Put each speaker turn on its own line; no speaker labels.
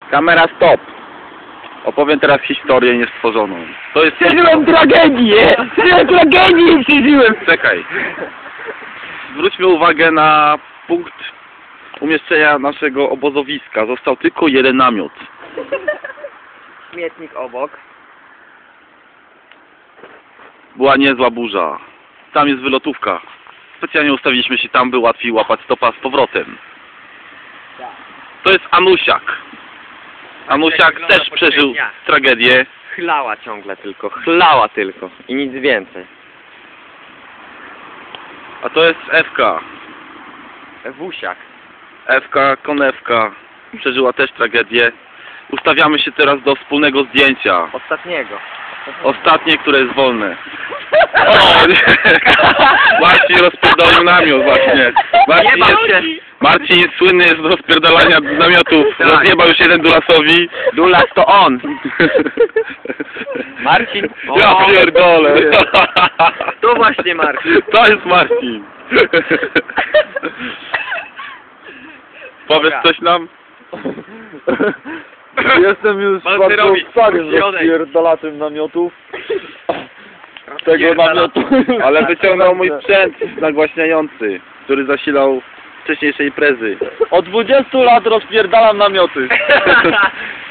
Kamera stop. Opowiem teraz historię niestworzoną. To jest...
Przeżyłem tragedię! Tragedię przeżyłem!
Czekaj. Zwróćmy uwagę na punkt umieszczenia naszego obozowiska. Został tylko jeden namiot.
Śmietnik obok.
Była niezła burza. Tam jest wylotówka. Specjalnie ustawiliśmy się tam, by łatwiej łapać stopa z powrotem. To jest Anusiak. Anusiak też przeżył tragedię.
Chlała ciągle tylko, chlała tylko i nic więcej.
A to jest Ewka.
Ewusiak.
Ewka, konewka. Przeżyła też tragedię. Ustawiamy się teraz do wspólnego zdjęcia.
Ostatniego.
Ostatnie, które jest wolne. O, Marcin rozpierdolił namiot właśnie. Marcin jest słynny z rozpierdalania namiotów.
Tak.
Rozjebał już jeden Dulasowi.
Dulas to on. Marcin.
Ja pierdolę.
To właśnie Marcin.
To jest Marcin. Powiesz coś nam?
Jestem już bardzo starym rozpierdalaczem namiotów. Tego namiotu.
Ale wyciągnął mój sprzęt nagłaśniający, który zasilał wcześniejsze imprezy.
Od 20 lat rozpierdalam namioty.